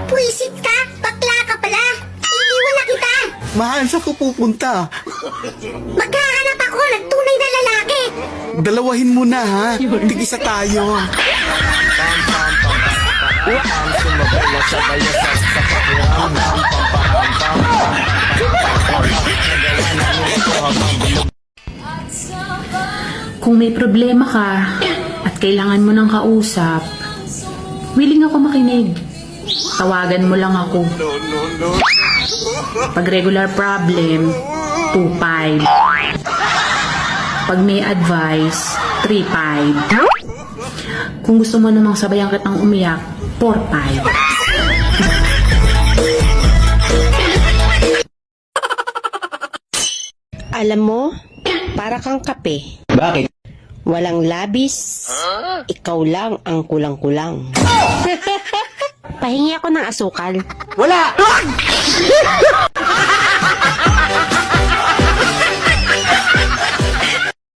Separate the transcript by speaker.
Speaker 1: Pwisit ka? Bakla ka pala. Iiwan na kita.
Speaker 2: Mahal, saan ko pupunta?
Speaker 1: Maghahanap ako ng tunay na lalaki.
Speaker 2: Dalawahin mo na, ha? Tig-isa tayo.
Speaker 3: Kung may problema ka at kailangan mo ng kausap, willing ako makinig. Tawagan mo lang ako. Pag regular problem, 2-5. Pag may advice, 3-5. Kung gusto mo namang sabayan kitang umiyak, 4-5.
Speaker 4: Alam mo, para kang kape.
Speaker 2: Bakit?
Speaker 4: Walang labis, ikaw lang ang kulang-kulang. Pahingi ako ng asukal.
Speaker 2: Wala!